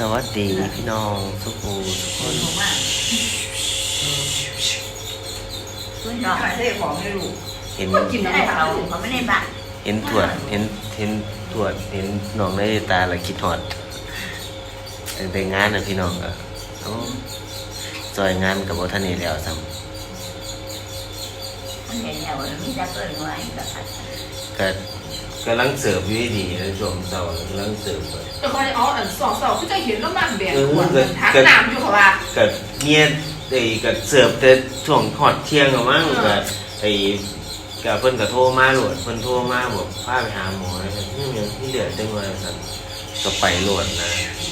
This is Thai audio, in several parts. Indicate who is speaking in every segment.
Speaker 1: วัสดีพี่น้องทุกคนเห็น
Speaker 2: กินอะไรเขาไม่ได้บ้า
Speaker 1: เห็นตรวจเห็นน้องในตาแล้วคิดฮอดแต่งานน่ะพี่น้องก็จอยงานกับบ่ทันได้แล้วซ้ำก็กำลังเสิร์ฟอยู่ดีในช่วงเช้ากำลังเสิร์ฟ
Speaker 2: แต่พออ๋อสองก็จะเห็นแล้วมันแบบหัวทักน้ำอยู่เขาว่า
Speaker 1: ก็เนี่ยก็เสิร์ฟแต่ช่วงฮอดเที่ยงก็มั้งก็ก็เพิ่นก็โทรมาโหลดเพิ่นโทรมาบอกพาไปหาหมอนี่เหลือจังว่าซั่นก็ไปโหลดนะ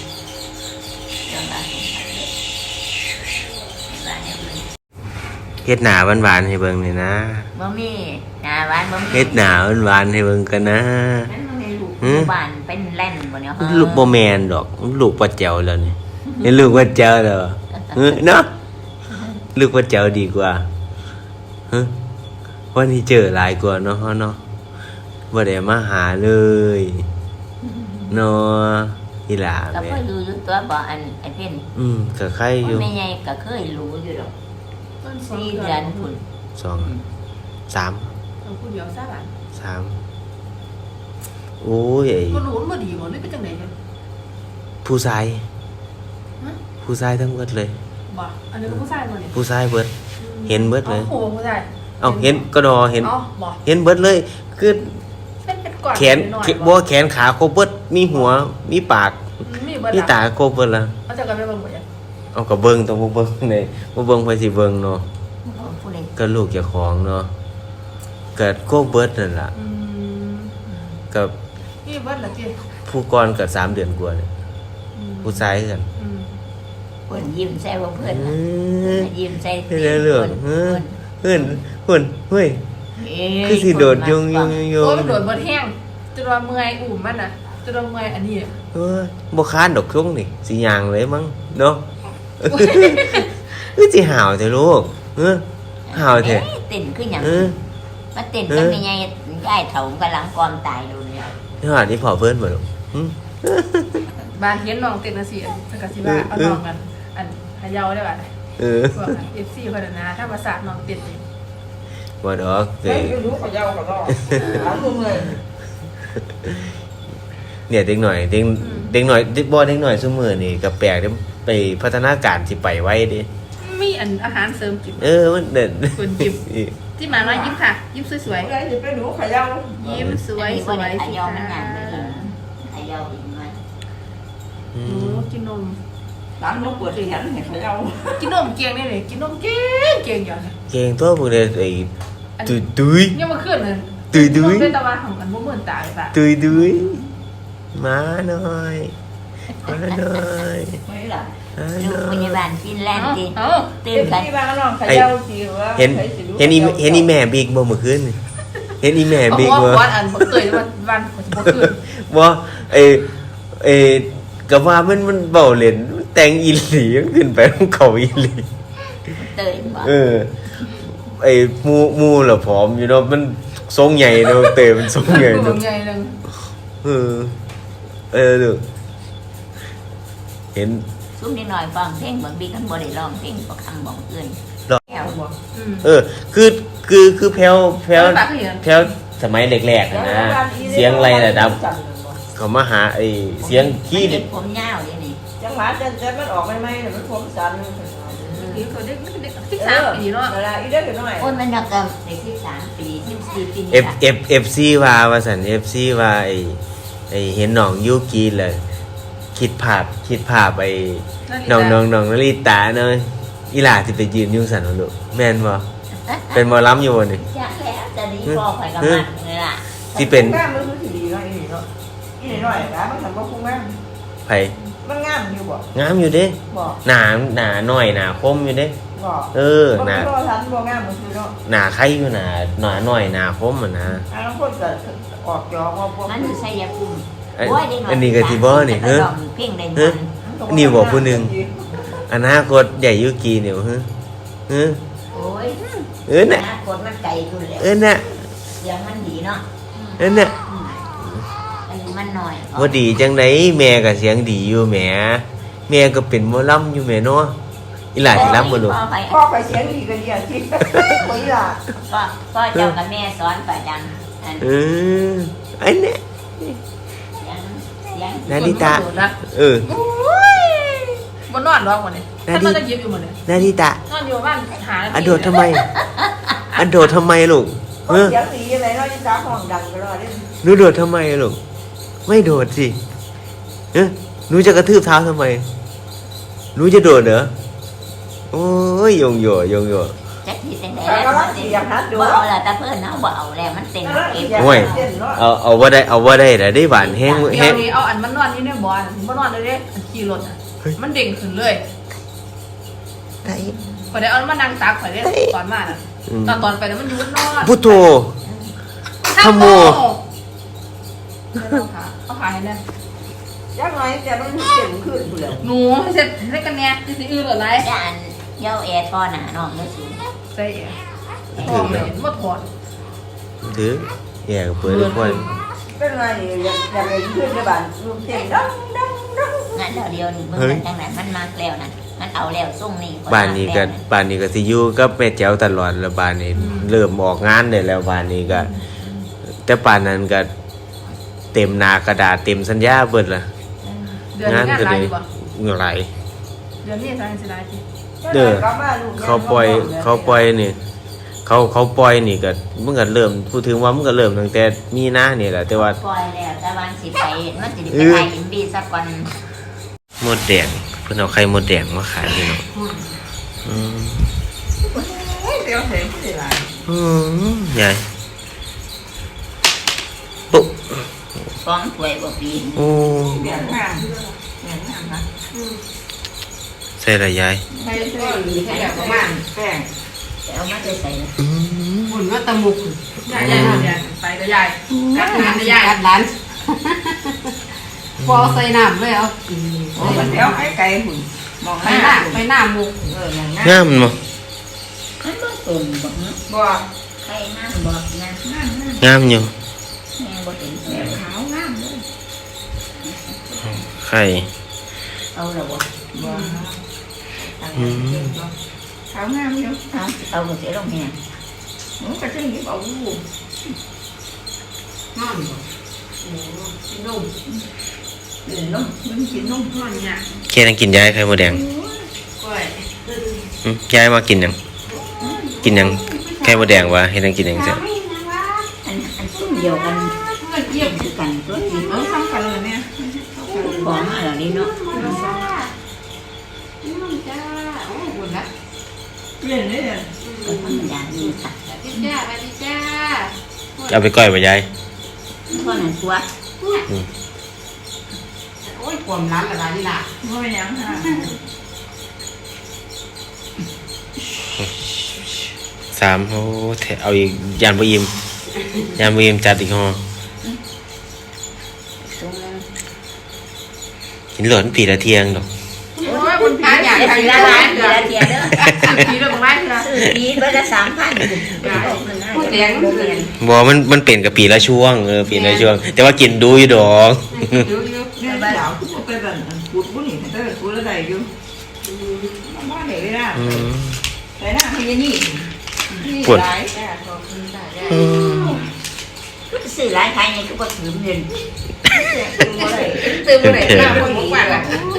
Speaker 1: เฮ็ดหน้าหวานๆให้เบิ่งหน่อยนะ
Speaker 2: บ่มีหน้าหวานบ่มี
Speaker 1: เฮ็ดหน้าหวานๆให้เบิ่งกันนะ
Speaker 2: นั่นมันมีลูกบ้านเป็นแล่นบ่เนี่ย
Speaker 1: ลูกบ่แม่นดอกลูกป้าแจ๋วแล้วนี่เห็นลูกป้าแจ๋วแล้วเนาะลูกป้าแจ๋วดีกว่าวันนี้เจอหลายกว่าเนาะบ่ได้มาหาเลยเนาะอีหล่า
Speaker 2: ก็เคยรู้อยู่ตัวบ่อันไอ้เพิ่น
Speaker 1: ก็ใครอยู่
Speaker 2: แม่ใหญ่ก็เคยรู้อยู่ดอก4 เดือนพุ่น
Speaker 1: 2 3
Speaker 2: เอาผู้เดียวซะล่ะ
Speaker 1: 3โอ้ย
Speaker 2: บ่รู้มันบ่ดีบ่นี่เป็นจังได๋เนี่ย
Speaker 1: ผู้ชายทั้งหมดเลย
Speaker 2: บ่อันนี้ผู้ชายบ่นี่
Speaker 1: ผู้ชายเบิดเห็นเบิดเลย
Speaker 2: โอ้ผู้ชาย
Speaker 1: เห็นก็ดอเห็นเห็นเบิดเลยคือแขนบ่แขนขาครบเบิดมีหัวมีปากมีตาครบเบิดแล้ว
Speaker 2: เอาจะกันไปเบิ่งบ่ยัง
Speaker 1: เอาก็เบิ่งต้องบ่เบิ่งได้บ่เบิ่งไผสิเบิ่งเนาะก็ลูกเจ้าของเนาะก็ครบเบิดนั่นล่ะกับ
Speaker 2: นี่เบิดล่ะจิ
Speaker 1: ผู้ก่อนก็3 เดือนกว่าเนี่ยผู้ชายกัน
Speaker 2: เพิ่นยิ้มใส่บ่เพิ่นยิ้มใส่
Speaker 1: เรื่องเพิ่นเฮ้ยคือสิโดดยงโอ้
Speaker 2: ยมันโดดบ่แห้งจนว่าเมื่อยอุ้มมันน่ะจนว่าเมื่อยอันนี้
Speaker 1: บ่ค้านดอกคงนี่สิย่างเลยมั้งเนาะสิห่าวแท้ลูกห่าวแท้
Speaker 2: เต้นคือหยังมาเต้นกันใหญ่ๆยายเฒ่ากำลังกอมตายอยู่เนี่ย
Speaker 1: นี่พ่อเพิ่นบ่ลูก
Speaker 2: บ้านเห็นน้องเต้นจังซี่สักก็สิว่าเอาน้องกันอันขยาวได้บ่พวก FC เพิ่นน่ะถ้าภาษาน้องเต้นนี่
Speaker 1: บ่ดอก
Speaker 2: ไม่รู้ขยาวก็ต้องหามือเลย
Speaker 1: เนี่ยเด็กหน่อยบ่เด็กหน่อยซุมื้อนี่ก็แปลกเด้ไปพัฒนาการสิไปไว้เด้
Speaker 2: มีอันอาหารเสริมกิน
Speaker 1: มันเด่น
Speaker 2: คนยิ้มที่มาน้อยยิ้มค่ะยิ้มสวยๆ
Speaker 3: อย่าไปหนูขยาว
Speaker 2: ยิ้มสวยๆขยาวมันงามเลยขยาวอีกมั้ยกินนม
Speaker 3: ร้านนกปวดสิหันให้ขยาว
Speaker 2: กินนมเก่งได้เลยกินนมเก่งอย่าง
Speaker 1: เก่งตัวพวกนี้ไอ้ตุ้ย
Speaker 2: ยังมาขึ้นเลย
Speaker 1: ตุ้ย
Speaker 2: เป็นตะวันของอันบ่เหมือนตาเลยป่ะ
Speaker 1: ตุ้ยมาหน่อย
Speaker 3: ไม่ล่ะ
Speaker 2: ลูกพยาบาลฟินแลนด์ดิตื่นกัน
Speaker 3: ที่บ้านน้องขยาวสิว่า
Speaker 1: เห็นอีแม่บิ๊กบ่เมื่อคืนเห็นอีแม่บิ๊กบ่
Speaker 2: วันอันบ่เคยวันบ่คืน
Speaker 1: บ่ก็ว่ามันเว้าเล่นแต่งอีหลีขึ้นไปของเขาอีหลี
Speaker 2: เต้ยบ่
Speaker 1: มูล่ะผอมอยู่เนาะมันทรงใหญ่เนาะเตะมันทรงใหญ่เนาะ
Speaker 2: ใหญ่นึง
Speaker 1: ลูกเห็น
Speaker 2: ซุ่มนิดหน่อยฟังเพลงบางบิ๊กมันบ่ได้ร้องเพลงบ่คำบ่อื่น
Speaker 1: แถวบ่คือแพ้วสมัยแรกๆนะเสียงไรระดับเขามาหาเสียงขี้
Speaker 2: ดิผมยาวนี่
Speaker 3: จังหวะเต้นมันออกใหม่ๆมันผมสั่น
Speaker 2: นี่ก็เด็ก13ปีเนาะ
Speaker 3: เวลาอีเด็กน้อย
Speaker 2: โอ้ยมันนักเด็ก13ปี14ปีนี่
Speaker 1: FC ว่าซั่น FC ว่าเห็นน้องยูกิเลยคิดภาพน้องนาริตาเนาะอีหล่าสิไปยืนอยู่ซั่นเนาะลูกแม่นบ่เป็นหมอลำอยู่บ่นี่
Speaker 2: จ้ะแล้วจะดีพอข่อยกับมันนี่ล่ะ
Speaker 1: สิเป็น
Speaker 3: งามมันสิดีเนาะอีเนาะอีน้อยๆมันทำบ่คุ้มงาม
Speaker 1: ไผ
Speaker 3: มันงามอยู่บ่
Speaker 1: งามอยู่เด้หน้าน้อยหน้าคมอยู่เด้หน้า
Speaker 3: ทันบ่งามมันคือเนาะ
Speaker 1: หน้าใครอยู่หน้าน้อยหน้าคมอ่ะนะ
Speaker 3: บางคนก็ออกจอว่าพวก
Speaker 2: มันอยู่ชัยภูมิ
Speaker 1: อันนี้ก็สิบ่นี่นี่บอกผู้นึงอนาคตใหญ่ยุกีเนี่ย
Speaker 2: โอ้ย
Speaker 1: น่ะ
Speaker 2: อนาคตมันไกลอยู่แล้ว
Speaker 1: น่ะ
Speaker 2: เสียงมันดีเนาะ
Speaker 1: น่ะ
Speaker 2: อันนี้มันน้อย
Speaker 1: บ่ดีจังได๋แม่ก็เสียงดีอยู่แหมแม่ก็เป็นหมอลำอยู่แม่เนาะอีหลาสิลำบ่ลูก
Speaker 3: พ่อไปเสียงดีกันเดียวที่คนละ
Speaker 4: ก็เจ้ากับแม่สอนประจำอัน
Speaker 1: อันเนี้ย
Speaker 4: เสียง
Speaker 1: นาริตะ
Speaker 2: โอ้ยบนนอนร้องหมดเลยถ้ามันจะยิบอยู่หมดเลย
Speaker 1: นาริตะ
Speaker 2: นอนอยู่บ้านหา
Speaker 1: อันโดดทำไมอันโดดทำไมลูก
Speaker 3: เสียงดีอะไรเนาะที่จ้าห้องดังไปรอได้
Speaker 1: หนูโดดทำไมลูกไม่โดดสิหนูจะกระทืบเท้าทำไมหนูจะโดดเหรอโอ้ยยงโย
Speaker 4: จักที่เต็มเลยบ่เอาละตาเพิ่นเฮาบ่เอาแล้วมันเต็มเก็บ
Speaker 1: โอ้ยเอาว่าได้แต่ได้หวานแห้ง
Speaker 2: เดี๋ยวนี้เอาอันมันนอนนี่เนี่ยบอลมันนอนเลยเด้อันขี่รถมันเด้งขึ้นเลยข่อยได้เอามันนั่งตักข่อยได้ตอนมาน่ะตอนไปแล้วมันอยู่นอน
Speaker 1: พุทโธธโม
Speaker 2: เอาขาให้แน่
Speaker 3: ยักษ์น้อยแต่มันเจ็บขึ้นผู้เดียว
Speaker 2: หนูเสร็จให้กันแน่ที่สิอื่นหรือไร
Speaker 4: ย่านเย้าแอร์ทอหน้าน้องเด้อสิ
Speaker 2: ใส่ทองเลยมาถอด
Speaker 1: ถือแย่กับเปิดทุกคน
Speaker 3: เป็นไงอยากเห็นขึ้นในบ้านลูกเต็มดัง
Speaker 4: งั้นเดียวนี่เบิ่งจังนั้นมันมากแล้วนั่นมันเอาแล้วส่งนี่
Speaker 1: บ้านนี้ก็สิอยู่กับแม่แจ๋วตลอดแล้วบ้านนี้เริ่มออกงานได้แล้วบ้านนี้ก็แต่ป่านนั้นก็เต็มหน้ากระดาษเต็มสัญญาเบิดละ
Speaker 2: เดือนนี้งานไรอยู่บ่
Speaker 1: เงินไหล
Speaker 2: เดือนนี้ทางสิไรที่
Speaker 1: เขาปล่อยนี่เขาปล่อยนี่ก็มันก็เริ่มพูดถึงว่ามันก็เริ่มตั้งแต่มีนานี่แหละแต่ว่า
Speaker 4: ปล่อยแล้วแต่วันสิไปมันสิไปถ่ายอินบีสักวัน
Speaker 1: หมดแดงเพิ่นเอาไข่หมดแดงมาขายพี่น้อง
Speaker 3: เดี๋ยวเห็นผู้เดียว
Speaker 1: ใหญ่ปุ๊บ
Speaker 4: ฟ้องถวยบ่ปีน
Speaker 1: โอ้
Speaker 3: เบียงงามนะ
Speaker 1: ใส่ละยาย
Speaker 3: ใช่แบบประมาณแป้ง
Speaker 4: แต่เอามาใส่เลย
Speaker 2: หุ่นก็ตะมุกยายไปก็ยายกัดงานก็ยายกัดร้านพอใส่น้ำเลยเอา
Speaker 3: โอ้เดี๋ยวให้ไก่หุ่นมอง
Speaker 2: ไปหน้ามุก
Speaker 3: อย่างนั้น
Speaker 1: งามมั้
Speaker 4: มันบ่ตุ่มบ่
Speaker 3: บ่
Speaker 4: ใครนั่นบ่นั่น
Speaker 1: งามอยู่
Speaker 4: แม่บ่ถึงแม่ขาวงามเลย
Speaker 1: ไข่
Speaker 4: เอาแล้วบ่
Speaker 3: บ่ขาวงามอยู่
Speaker 4: เอาบ่เสียลงแม่
Speaker 3: หนูก็จะหยิบเอาลูก
Speaker 2: นอนบ่โอ้กินนม
Speaker 3: กินนมมันกินนม
Speaker 2: นอนเนี่ย
Speaker 1: แค่นั้นกินยายไข่หมดแดง
Speaker 2: ก้อย
Speaker 1: ยายมากินหยังกินหยังไข่หมดแดงวะเฮ็ดหยังกินหยังซะ
Speaker 4: อันซุ่มเดียวกัน
Speaker 2: เงินเยี่ยม
Speaker 4: คือกันตัวจริง
Speaker 3: ทำกันเลยเนี่ย
Speaker 4: ของมาแล้วนี่เนาะ
Speaker 2: จ้าโอ้บุญละ
Speaker 3: เล่นเนี่ย
Speaker 4: ก็ธรรมดานี่ค่ะ
Speaker 2: สวัสดีจ้าสวัสดีจ้า
Speaker 1: เอาไปก้อยบ่ยาย
Speaker 4: เพราะนั้นตัว
Speaker 2: โอ้ยความร้านละร้านนี่ล่ะ
Speaker 3: ไม่ยังค่ะ
Speaker 1: 3โอ้เอาอีกยานบ่อิ่มจัดอีกห่อ
Speaker 4: ซุ่มนึง
Speaker 1: กินหลอนปีละเที่ยงดอก
Speaker 2: โอ้ยบุญพาอยาก
Speaker 4: ได้
Speaker 2: ใคร
Speaker 4: ที
Speaker 2: ละ
Speaker 4: ละ
Speaker 2: ร้า
Speaker 4: ล้าน น
Speaker 2: เดื
Speaker 4: ที
Speaker 2: อ
Speaker 4: ละเทียเด้อ
Speaker 2: ทีเรื่องไม้ทีละ
Speaker 4: ซื้อปีเบิดละ 3,000
Speaker 2: พูดแดงเรียน
Speaker 1: บ่มันเป็นกับปีละช่วงปีละช่วง แต่ว่ากินดูอยู่ดอก
Speaker 2: เยอะ
Speaker 3: เนี่ยสาวทุกคนไปแบบพูดบุหรี่แต่แบบพูดอะไรอยู่บ้านไหนไม่ได้แต่หน้าพี่ยันนี่นี่หลาย
Speaker 4: ซื้อหลายขายนี่ก็บ่ถือเงิน
Speaker 3: ตื่นมาเลย
Speaker 2: ๆตื่นมาไหนหน้าคนบอกว่า